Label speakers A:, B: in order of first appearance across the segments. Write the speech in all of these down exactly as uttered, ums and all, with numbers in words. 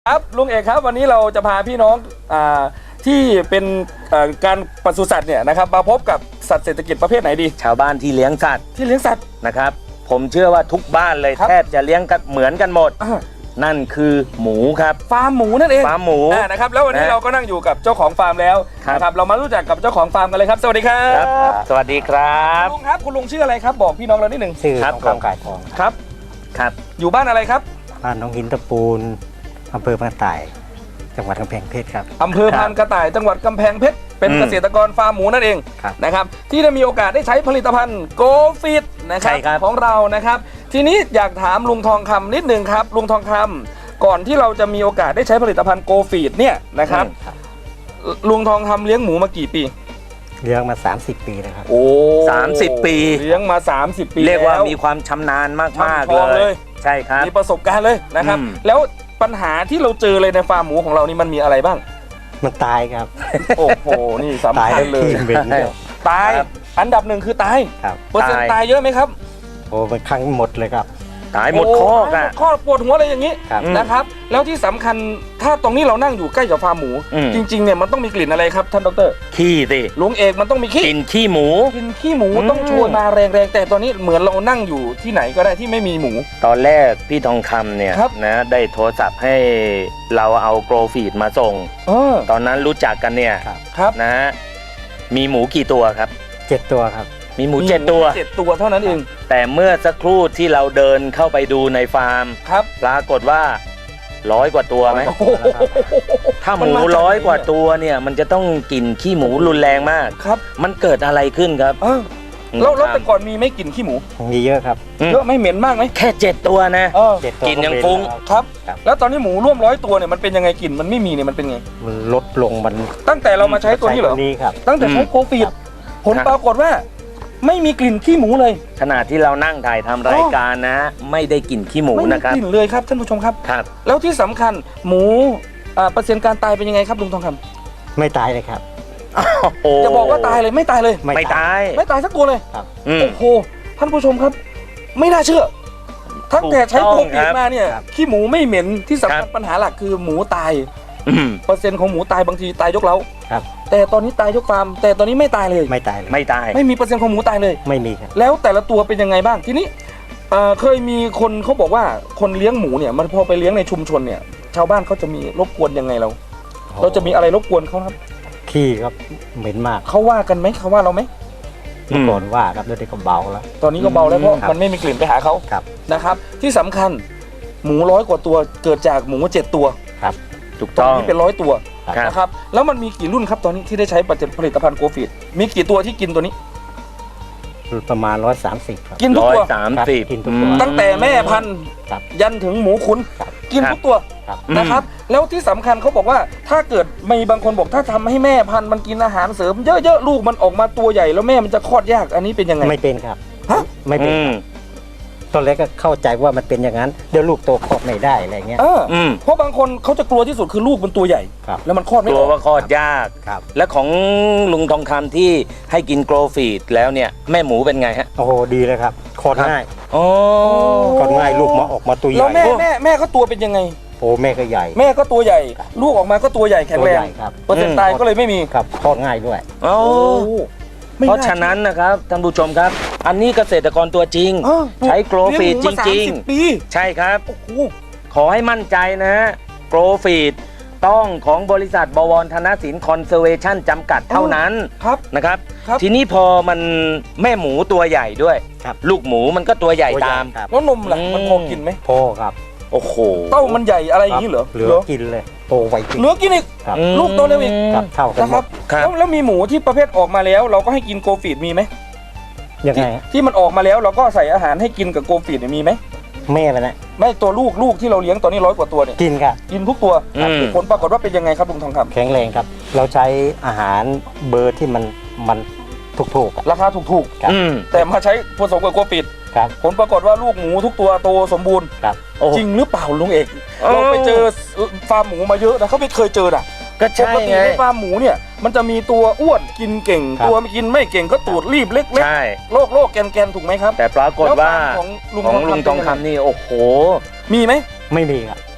A: ครับลุงเอกครับวันนี้เราจะพาพี่น้องอ่าที่เป็นการปศุสัตว์เนี่ยนะครับมาพบกับสัตว์เศรษฐกิจประเภทไหนดี
B: ชาวบ้านที่เลี้ยงสัตว์
A: ที่เลี้ยงสัตว์
B: นะครับผมเชื่อว่าทุกบ้านเลยแทบจะเลี้ยงกันเหมือนกันหมดนั่นคือหมูครับ
A: ฟาร์มหมูนั่นเอง
B: ฟาร์มหมู
A: นะครับแล้ววันนี้เราก็นั่งอยู่กับเจ้าของฟาร์มแล้วนะครับเรามารู้จักกับเจ้าของฟาร์มกันเลยครับสวัสดีครับ
B: สวัสดีครับ
A: ลุงครับคุณลุงชื่ออะไรครับบอกพี่น้องเรานิดหนึ่ง
C: ชื่อทองคำก่ายทอง
A: ครับ
B: ครับ
A: อยู่บ้านอะไรครับ
C: บ้านน้องหินตะปูนอำเภอพานกระต่ายจังหวัดกำแพงเพชรครับ
A: อำเภอพานกระต่ายจังหวัดกำแพงเพชรเป็นเกษตรกรฟาร์มหมูนั่นเองนะครับที่ได้มีโอกาสได้ใช้ผลิตภัณฑ์โกฟิตนะครับของเรานะครับทีนี้อยากถามลุงทองคำนิดหนึ่งครับลุงทองคำก่อนที่เราจะมีโอกาสได้ใช้ผลิตภัณฑ์โกฟิตเนี่ยนะครับลุงทองคำเลี้ยงหมูมากี่ปี
C: เลี้ยงมาสามสิบปีนะครับ
A: โอ้
B: สามสิบปี
A: เลี้ยงมาสามสิบปี
B: เรียกว่ามีความชำนาญมากๆเลยใช่ครับ
A: มีประสบการณ์เลยนะครับแล้วปัญหาที่เราเจอเลยในฟาร์มหมูของเรานี่มันมีอะไรบ้าง
C: มันตายครับ
A: โอ้โหนี่สำคัญเลยตายอันดับหนึ่งคือตายเปอร์เซ็นต์ตายเยอะไหมครับ
C: โอ้เป็นครั้งหมดเลยครับ
B: ตายหมดข้อกัน
A: ข้อปวดหัวอะไรอย่างนี้นะครับแล้วที่สำคัญถ้าตรงนี้เรานั่งอยู่ใกล้กับฟาร์มหมูจริงๆเนี่ยมันต้องมีกลิ่นอะไรครับท่านดร.
B: ขี้สิ
A: ลุงเอกมันต้องมีขี้
B: กลิ่นขี้หมู
A: กลิ่นขี้หมูต้องโชยมาแรงๆแต่ตอนนี้เหมือนเรานั่งอยู่ที่ไหนก็ได้ที่ไม่มีหมู
B: ตอนแรกพี่ทองคำเนี่ยนะได้โทรศัพท์ให้เราเอาโกลฟีดมาส่งตอนนั้นรู้จักกันเนี่ยนะมีหมูกี่ตัวครับ
C: เจ็ดตัวครับ
B: มีหมูเจ็ดตัว
A: เจ็ดตัวเท่านั้นเอง
B: แต่เมื่อสักครู่ที่เราเดินเข้าไปดูในฟาร์ม
A: ครับ
B: ปรากฏว่าร้อยกว่าตัวไหมถ้าหมูร้อยกว่าตัวเนี่ยมันจะต้องกลิ่นขี้หมูรุนแรงมาก
A: ครับ
B: มันเกิดอะไรขึ้นครับ
A: แล้วแล้วแต่ก่อนมีไม่กลิ่นขี้หมู
C: มีเยอะครับ
A: เยอะไม่เหม็นมากไหม
B: แค่เจ็ดตัวนะกลิ่นยังฟุ้ง
A: ครับแล้วตอนนี้หมูร่วมร้อยตัวเนี่ยมันเป็นยังไงกลิ่นมันไม่มีเนี่ยมันเป็นไง
C: มันลดลงมัน
A: ตั้งแต่เรามาใช้ตัวนี้เหรอตั้งแต่ใช้โกฟีดผลปรากฏว่าไม่มีกลิ่นขี้หมูเลย
B: ขณะที่เรานั่งถ่ายทำรายการนะไม่ได้กลิ่นขี้หมูนะครับ
A: ไม่มีกลิ่นเลยครับท่านผู้ชมครับ
B: ครับ
A: แล้วที่สำคัญหมูเปอร์เซ็นต์การตายเป็นยังไงครับลุงทองค
C: ำไม่ตายเลยครับ
A: จะบอกว่าตายเลยไม่ตายเลย
B: ไม่ตาย
A: ไม่ตายสักตัวเลยโอ้โหท่านผู้ชมครับไม่น่าเชื่อตั้งแต่ใช้โกฟีดมาเนี่ยขี้หมูไม่เหม็นที่สำคัญปัญหาหลักคือหมูตายเปอร์เซ็นต์ของหมูตายบางทีตายยกเล้าแต่ตอนนี้ตายยกฟาร์มแต่ตอนนี้ไม่ตายเลย
C: ไม่ตาย
B: ไม่ตาย
A: ไม่มีเปอร์เซ็นต์ของหมูตายเลย
C: ไม่มีครับ
A: แล้วแต่ละตัวเป็นยังไงบ้างทีนี้เคยมีคนเขาบอกว่าคนเลี้ยงหมูเนี่ยมันพอไปเลี้ยงในชุมชนเนี่ยชาวบ้านเขาจะมีรบกวนยังไงเราเราจะมีอะไรรบกวนเขาครับ
C: ขี้ครับเหม็นมาก
A: เขาว่ากันไหมเขาว่าเราไหม
C: เมื่อก่อนว่าครับเดี๋ยวนี้ก็เบาแล้ว
A: ตอนนี้ก็เบาแล้วเพราะมันไม่มีกลิ่นไปหาเขานะครับที่สำคัญหมูร้อยกว่าตัวเกิดจากหมูเจ็ดตัว
B: ครับถูกต้อง
A: นี่เป็นร้อยตัวนะครับแล้วมันมีกี่รุ่นครับตอนนี้ที่ได้ใช้ผลิตภัณฑ์โกฟีดมีกี่ตัวที่กินตัวนี้
C: ประมาณร้อยสามสิบ
A: กินทุกตัว
B: สามสิบ
C: กินทุกตัว
A: ตั้งแต่แม่พันธุ์ยันถึงหมูขุนกินทุกตัวนะครับแล้วที่สำคัญเขาบอกว่าถ้าเกิดมีบางคนบอกถ้าทำให้แม่พันธุ์มันกินอาหารเสริมเยอะๆลูกมันออกมาตัวใหญ่แล้วแม่มันจะคลอดยากอันนี้เป็นยังไง
C: ไม่เป็นครับ
A: ฮะ
C: ไม่เป็นตอนแรกก็เข้าใจว่ามันเป็นอย่างนั้นเดี๋ยวลูกโตคลอดไม่ได้อะไรเงี้ย
A: เพราะบางคนเขาจะกลัวที่สุดคือลูกมันตัวใหญ่แล้วมันคลอดไม่ออก
B: กลัวว่าคลอดยากและของลุงทองคำที่ให้กินโกลฟีดแล้วเนี่ยแม่หมูเป็นไงฮะ
C: โอ้โหดีเลยครับคลอดง่าย
B: อ๋อ
C: คลอดง่ายลูกมาออกมาตัวใหญ่
A: แล้วแม่แม่แม่ก็ตัวเป็นยังไง
C: โอ้แม่ก็ใหญ่
A: แม่ก็ตัวใหญ่ลูกออกมาก็ตัวใหญ่แข็งแรงเปอร์เซ็นต์ตายก็เลยไม่มี
C: ครับคลอดง่ายด้วย
B: โอ้เพราะฉะนั้นนะครับท่านผู้ชมครับอันนี้เกษตรกรตัวจริงใช้โกลฟีดจริงๆใช่ครับขอให้มั่นใจนะโกลฟีดต้องของบริษัทบวรธนสินคอนเซอร์เวชั่นจำกัดเท่านั้นนะครับทีนี้พอมันแม่หมูตัวใหญ่ด้วยลูกหมูมันก็ตัวใหญ่ตาม
A: แล้วนมล่ะมันพอกินไหม
C: พอครับ
B: โอ้โห
A: เต้ามันใหญ่อะไรอย่างนี้เหรอ
C: เหลือกินเลยโตไวจริง
A: เหลือกินอีกลูกโตเร็วอีก
C: เท่ากัน
A: นะครับแล้วแล้วมีหมูที่ประเภทออกมาแล้วเราก็ให้กินโกฟีดมีไหม
C: ยังไง
A: ที่มันออกมาแล้วเราก็ใส่อาหารให้กินกับโกฟีดมีไหม
C: แม่มันนะ
A: ไม่ตัวลูกลูกที่เราเลี้ยงตอนนี้ร้อยกว่าตัวเนี่ย
C: กินครับ
A: กินทุกตัวผลปรากฏว่าเป็นยังไงครับลุงทองคำ
C: แข็งแรงครับเราใช้อาหารเบอร์ที่มันมันถูก
A: ๆราคาถูกๆแต่มาใช้ผสมกับโกฟีดผลปรากฏว่าลูกหมูทุกตัวโตสมบูรณ์จริงหรือเปล่าลุงเอกเราไปเจอฟาร์มหมูมาเยอะนะเขาไม่เคยเจอน่ะ
B: ก็ใช่ไง
A: ในฟาร์มหมูเนี่ยมันจะมีตัวอ้วนกินเก่งตัวไม่กินไม่เก่งก็ตูดรีบเล็กๆโรคโรคแกนๆถูกไหมครับ
B: แต่ปรากฏว่าของลุงทองคำนี่โอ้โห
A: มีไหม
C: ไม่มีครับ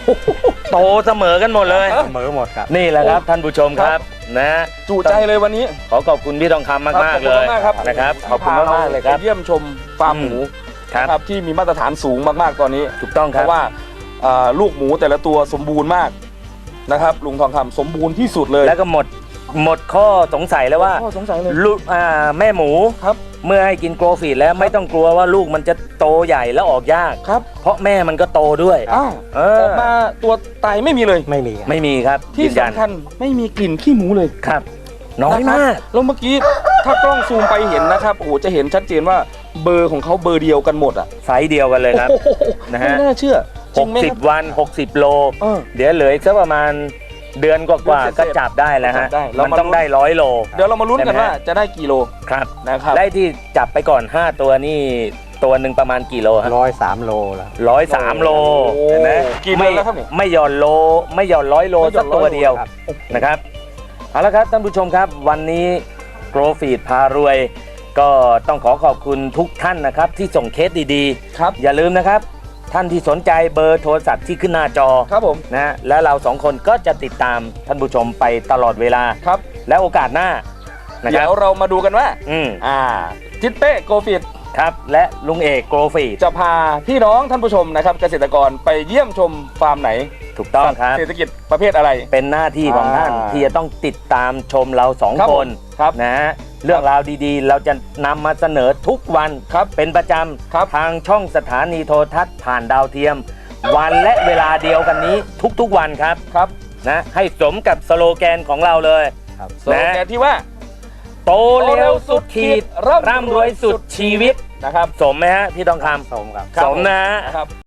B: โตเสมอกันหมดเลย
C: เสมอหมดครับ
B: นี่แหละครับท่านผู้ชมครับนะ
A: จุใจเลยวันนี้
B: ขอขอบคุณพี่ทองคำมากมากๆเลย
A: ขอบคุณมากครับ
B: นะครับขอบคุณมากมากๆเลยครับ
A: ไปเยี่ยมชมฟาร์มหมู
B: ครับ
A: นะครับที่มีมาตรฐานสูงมากๆตอนนี้
B: ถูกต้อง
A: เพ
B: ครับ
A: ราะว่าอ่าลูกหมูแต่ละตัวสมบูรณ์มากนะครับลุงทองคำสมบูรณ์ที่สุดเลย
B: แล้วก็หมดหมดข้อสงสัยแล้วว่า
A: ข้อสงสัยเลย
B: ลูกอ่าแม่หมู
A: ครับ
B: เมื่อให้กินโกลฟีดแล้วไม่ต้องกลัวว่าลูกมันจะโตใหญ่แล้วออกยาก
A: ครับ
B: เพราะแม่มันก็โตด้วย
A: อ้าว
B: เอ
A: อ
B: อ
A: อกมาตัวตายไม่มีเลย
C: ไม่มีครับ
B: ไม่มีครับ
A: ที่
B: ยืนยัน
A: สำคัญไม่มีกลิ่นขี้หมูเลย
B: ครับ น้อย
A: ะครับ
B: มาก
A: แล้วเมื่อกี้ถ้ากล้องซูมไปเห็นนะครับโอ้โหจะเห็นชัดเจนว่าเบอร์ของเขาเบอร์เดียวกันหมดอ่ะ
B: ไซส์เดียวกันเลยครับ
A: โอ้โห
B: นะฮะ
A: ไม่น่าเชื่อจริงไหมครับ
B: 60 วัน 60 โล
A: เออ
B: เดี๋ยวเหลืออีกสักประมาณเดือนกว่า
A: เดือน
B: ๆ
A: เศษๆ
B: ก็จับได้แล้วฮะ
A: จับได้เรา
B: มัน
A: มา
B: ต้องได้ร้อยโล
A: เดี๋ยวเรามาลุ้นกัน
B: ใช่ไหม
A: ว่าจะได้กี่โล
B: ครับ
A: นะครับ
B: ได้ที่จับไปก่อน ห้า ตัวนี่ตัวหนึ่งประมาณกี่โลฮะ
C: ร้อยสามโลแล้ว
B: ร้อยสามโล
A: โอ้
B: เห็นไหม
A: กี่เดือนแล้วครับเนี่ย
B: ไม่หย่อนโล ไม่หย่อนร้อยโล
A: ไม่หย่
B: สั
A: อก น
B: ตัว
A: ร้อยโล
B: เดียว
C: ครับ
B: นะครับเอาละครับท่านผู้ชมครับวันนี้โกรฟีดพารวย ก็ต้องขอขอบคุณทุกท่านนะครับที่ส่งเคสดี
A: ครับ
B: ๆ อย่าลืมนะครับ ท่านที่สนใจเบอร์โทรศัพท์ที่ขึ้นหน้าจอ
A: ครับผม
B: นะฮะและเราสองคนก็จะติดตามท่านผู้ชมไปตลอดเวลา
A: ครับ
B: และโอกาสหน้านะค
A: เดี๋
B: รั
A: ย
B: บ
A: วเรามาดูกันว่า
B: อืม
A: อ่าจิตเป้โกฟิต
B: ครับและลุงเอกโกรฟีด
A: จะพาพี่น้องท่านผู้ชมนะครับเกษตรกรไปเยี่ยมชมฟาร์มไหน
B: ถูกต้องครับ
A: เศรษฐกิจประเภทอะไร
B: เป็นหน้าที่ของท่าน
A: อ่า
B: ที่จะต้องติดตามชมเราสอง
A: ครับ
B: ค
A: ผม
B: น
A: ครับ
B: นะฮะเรื่องราวดีๆ เราจะนำมาเสนอทุกวัน
A: ครับ
B: เป็นประจ
A: ครับ
B: ำทางช่องสถานีโทรทัศน์ผ่านดาวเทียม วันและเวลาเดียวกันนี้ทุกๆวันครับ
A: ครับ
B: นะให้สมกับสโลแกนของเราเลย
C: ครับ
A: สโลแกนที่ว่า
B: โตเร็วสุดขีดร่ำรวยสุดชีวิต
A: นะครับ
B: สมไหมฮะพี่ทองค
C: สมครับ
B: ำสมนะฮะ
A: นะครับ